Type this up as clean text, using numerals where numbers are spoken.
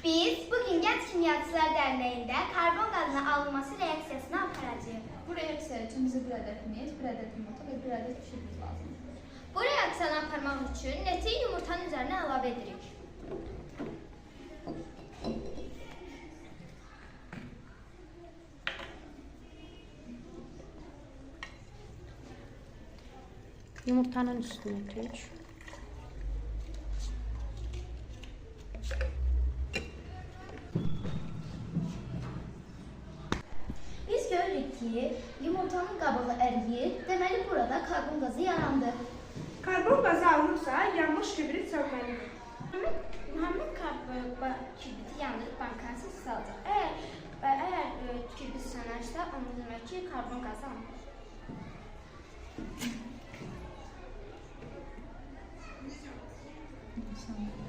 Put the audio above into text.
Biz bugün Genç Kimyacılar Derneği'nde karbon gazının alınması reaksiyasını aparacağız. Bu reaksiya üçün bizə bir ədəd mez, bir ədəd yumurta və bir ədəd pişirimiz lazımdır. Bu reaksiyanı aparmaq üçün neti yumurtanın üzerine əlavə edirik. Yumurtanın üstüne dök. Biz görürük ki yumurtanın qabığı əriyir, deməli burada karbon gazı yarandı. Karbon qazı alınırsa yanmış kibrit sönməlidir. Muhammed kibriti yandırıb bankanın sesi alacaq. Əgər kibrit sönərsə, onu demək ki karbon gazı alınır. Sen